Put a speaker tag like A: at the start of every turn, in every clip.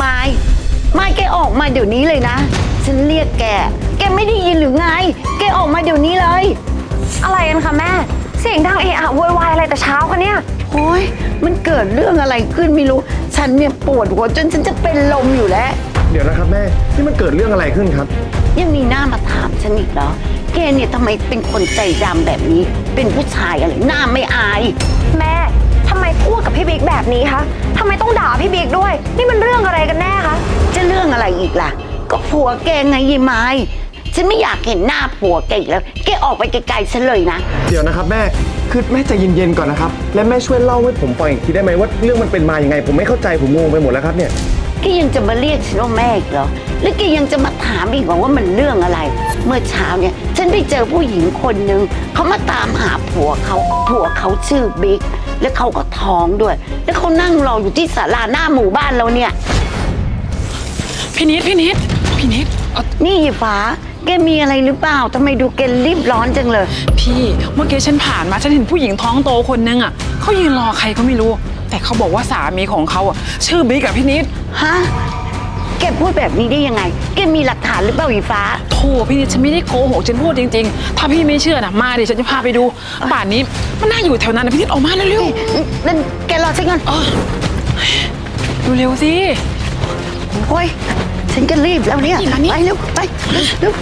A: ไม่แกออกมาเดี๋ยวนี้เลยนะฉันเรียกแกไม่ได้ยินหรือไงแกออกมาเดี๋ยวนี้เลย
B: อะไรกันคะแม่เสียงดังเอะอะโวยวายอะไรแต่เช้าคะเนี่ย
A: โอ้ยมันเกิดเรื่องอะไรขึ้นไม่รู้ฉันเนี่ยปวดหัวจนฉันจะเป็นลมอยู่แล้ว
C: เดี๋ยวนะครับแม่นี่มันเกิดเรื่องอะไรขึ้นครับ
A: ยังมีหน้ามาถามฉันอีกเหรอแกเนี่ยทำไมเป็นคนใจดำแบบนี้เป็นผู้ชายอะไรหน้าไม่อาย
B: แม่ทำไมพูดกับพี่บิ๊กแบบนี้คะทำไมต้องด่าพี่บิ๊กด้วยนี่มันเรื่องอะไรกันแน่คะ
A: จะเรื่องอะไรอีกล่ะก็ผัวแกไงยายไม้ฉันไม่อยากเห็นหน้าผัวแกอีกแล้วแกออกไปไกลๆฉันเลยนะ
C: เดี๋ยวนะครับแม่คือแม่ใจเย็นๆก่อนนะครับและแม่ช่วยเล่าให้ผมฟังอีกทีได้ไหมว่าเรื่องมันเป็นมาอย่างไงผมไม่เข้าใจผมงงไปหมดแล้วครับเนี่ย
A: แกยังจะมาเรียกฉันว่าแม่อีกเหรอหรือแกยังจะมาถามอีกว่ามันเรื่องอะไรเมื่อเช้าเนี่ยฉันไปเจอผู้หญิงคนนึงเขามาตามหาผัวเขาชื่อบิ๊กแล้วเขาก็ท้องด้วยแล้วเขานั่งรออยู่ที่ศาลาหน้าหมู่บ้านเราเนี่ย
D: พี่นิด
A: นี่ยายฟ้าแกมีอะไรหรือเปล่าทำไมดูแกรีบร้อนจังเลย
D: พี่เมื่อกี้ฉันผ่านมาฉันเห็นผู้หญิงท้องโตคนนึงอ่ะเขายืนรอใครก็ไม่รู้แต่เขาบอกว่าสามีของเขาอ่ะชื่อบิ๊กอะพี่นิด
A: ฮะแกพูดแบบนี้ได้ยังไงแกมีหลักฐานหรือเปล่ายายฟ้า
D: โธ่พี่นิดฉันไม่ได้โกหกฉันพูดจริงๆถ้าพี่ไม่เชื่อนะมาดิฉันจะพาไปดูป่านนี้มันน่าอยู่แถวนั้นนะพี่นิดออกมาเร็ว
A: ๆนั่นแกรอฉันก่อน
D: เร็วสิ
A: โอ้ยฉันก็รีบแล้วเนี่ยไปเร็วไปเร็ว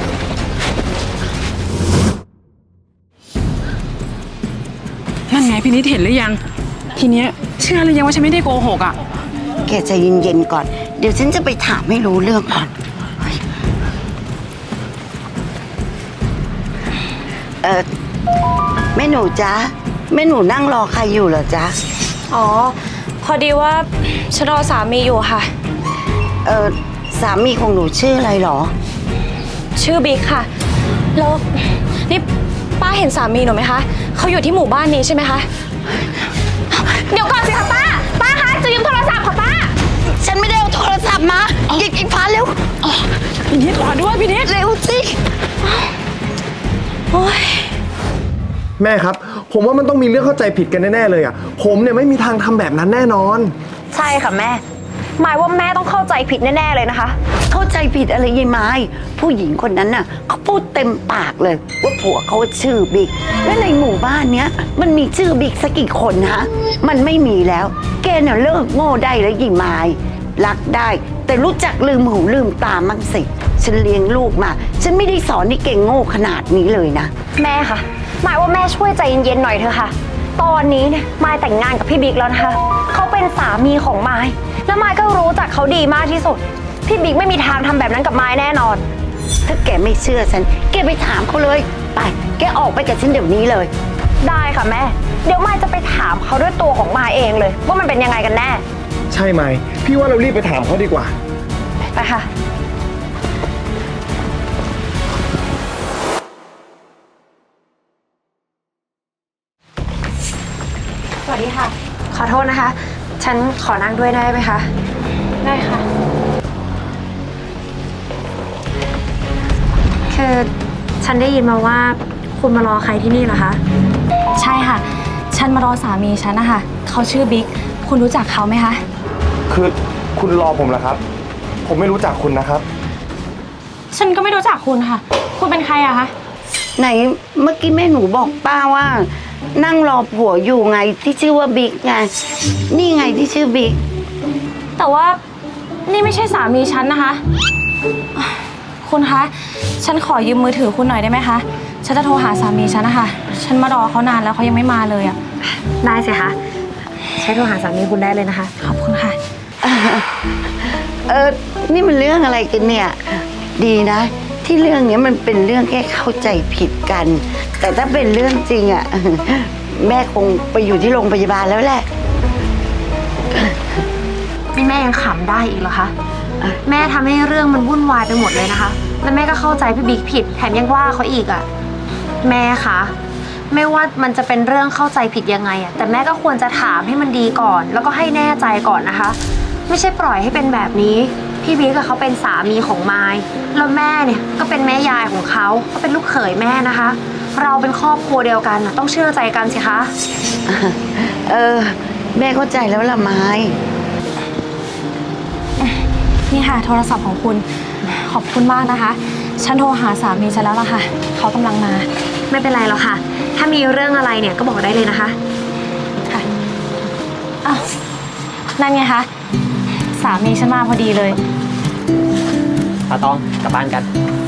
D: นั่นไงพี่นิดเห็นหรือยังทีเนี้ยเชื่อหรือยังว่าฉันไม่ได้โกหกอ่ะ
A: แกใจเย็นๆก่อนเดี๋ยวฉันจะไปถามให้รู้เรื่องก่อนแม่หนูจ๊ะแม่หนูนั่งรอใครอยู่เหรอจ๊ะ
B: อ๋อพอดีว่าฉันรอสามีอยู่ค่ะ
A: สามีของหนูชื่ออะไรหรอ
B: ชื่อบิ๊กค่ะแล้วนี่ป้าเห็นสามีหนูไหมคะเขาอยู่ที่หมู่บ้านนี้ใช่ไหมคะเดี๋ยวก่อนสิคะป้าคะจะยืมโทรศัพท์ค่ะป้า
A: ฉันไม่ได้เอาโทรศัพท์มาอีกพาเร็ว
D: พี่นิดรอด้วยพี่นิด
A: เร็วสิ
B: โอ้ย
C: แม่ครับผมว่ามันต้องมีเรื่องเข้าใจผิดกันแน่ๆเลยอ่ะผมเนี่ยไม่มีทางทำแบบนั้นแน่นอน
B: ใช่ค่ะแม่หมายว่าแม่ต้องเข้าใจผิดแน่ๆเลยนะคะ
A: เข้าใจผิดอะไรยายไม้ผู้หญิงคนนั้นน่ะเขาพูดเต็มปากเลยว่าผัวเขาชื่อบิ๊กและในหมู่บ้านเนี้ยมันมีชื่อบิ๊กสักกี่คนฮะมันไม่มีแล้วแกเนี่ยเลิกโง่ได้แล้วยายไม้รักได้แต่รู้จักลืมหูลืมตามั่งสิฉันเลี้ยงลูกมาฉันไม่ได้สอนให้เก่งโง่ขนาดนี้เลยนะ
B: แม่ค่ะหมายว่าแม่ช่วยใจเย็นๆหน่อยเถอะค่ะตอนนี้เนี่ยมายแต่งงานกับพี่บิ๊กแล้วนะคะเขาเป็นสามีของมายแล้วมายก็รู้จักเขาดีมากที่สุดพี่บิ๊กไม่มีทางทำแบบนั้นกับมายแน่นอน
A: ถ้าแกไม่เชื่อฉันแกไปถามเขาเลยไปแกออกไปกับฉันเดี๋ยวนี้เลย
B: ได้ค่ะแม่เดี๋ยวมายจะไปถามเขาด้วยตัวของมายเองเลยว่ามันเป็นยังไงกันแน่
C: ใช่ไหมพี่ว่าเรารีบไปถามเขาดีกว่า
B: ไปค่ะสวัสดีค่ะขอโทษนะคะฉันขอนั่งด้วยได้ไหมคะได้ค่ะคือฉันได้ยินมาว่าคุณมารอใครที่นี่เหรอคะใช่ค่ะฉันมารอสามีฉันนะคะเขาชื่อบิ๊กคุณรู้จักเขาไหมคะ
C: คือคุณรอผมเหรอครับผมไม่รู้จักคุณนะครับ
B: ฉันก็ไม่รู้จักคุณค่ะคุณเป็นใครอะคะ
A: ไหนเมื่อกี้แม่หนูบอกป้าว่านั่งรอผัวอยู่ไงที่ชื่อว่าบิ๊กไงนี่ไงที่ชื่อบิ๊ก
B: แต่ว่านี่ไม่ใช่สามีฉันนะคะคุณคะฉันขอยืมมือถือคุณหน่อยได้ไหมคะฉันจะโทรหาสามีฉันนะคะฉันมารอเขานานแล้วเขายังไม่มาเลยอะได้สิคะใช้โทรหาสามีคุณได้เลยนะคะขอบคุณค่ะ
A: นี่มันเรื่องอะไรกันเนี่ยดีนะที่เรื่องนี้มันเป็นเรื่องแค่เข้าใจผิดกันแต่ถ้าเป็นเรื่องจริงอ่ะแม่คงไปอยู่ที่โรงพยาบาลแล้วแหละ
B: นี่แม่ยังขำได้อีกเหรอคะแม่ทำให้เรื่องมันวุ่นวายไปหมดเลยนะคะแล้วแม่ก็เข้าใจพี่บิ๊กผิดแถมยังว่าเขาอีกอ่ะแม่คะไม่ว่ามันจะเป็นเรื่องเข้าใจผิดยังไงอ่ะแต่แม่ก็ควรจะถามให้มันดีก่อนแล้วก็ให้แน่ใจก่อนนะคะไม่ใช่ปล่อยให้เป็นแบบนี้พี่บิ๊กเขาเป็นสามีของมายแล้วแม่เนี่ยก็เป็นแม่ยายของเขาก็เป็นลูกเขยแม่นะคะเราเป็นครอบครัวเดียวกันต้องเชื่อใจกันสิคะ
A: แม่เข้าใจแล้วล่ะไม้
E: นี่ค่ะโทรศัพท์ของคุณขอบคุณมากนะคะ ฉันโทรหาสามีฉันแล้วล่ะค่ะเขากำลังมา
B: ไม่เป็นไรหรอกค่ะ ถ้ามีเรื่องอะไรเนี่ยก็บอกได้เลยนะคะ
E: ค่ะอ้าวนั่นไงคะสามีฉันมาพอดีเลย
F: ป้าตองกลับบ้านกัน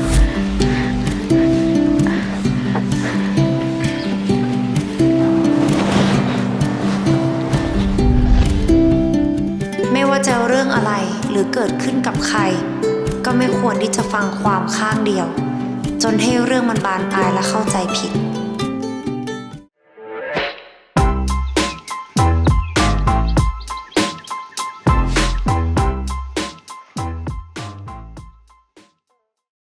G: ไม่ว่าจะเรื่องอะไรหรือเกิดขึ้นกับใคร ก็ไม่ควรที่จะฟังความข้างเดียว จนให้เรื่องมันบานปลายและเข้าใจผิด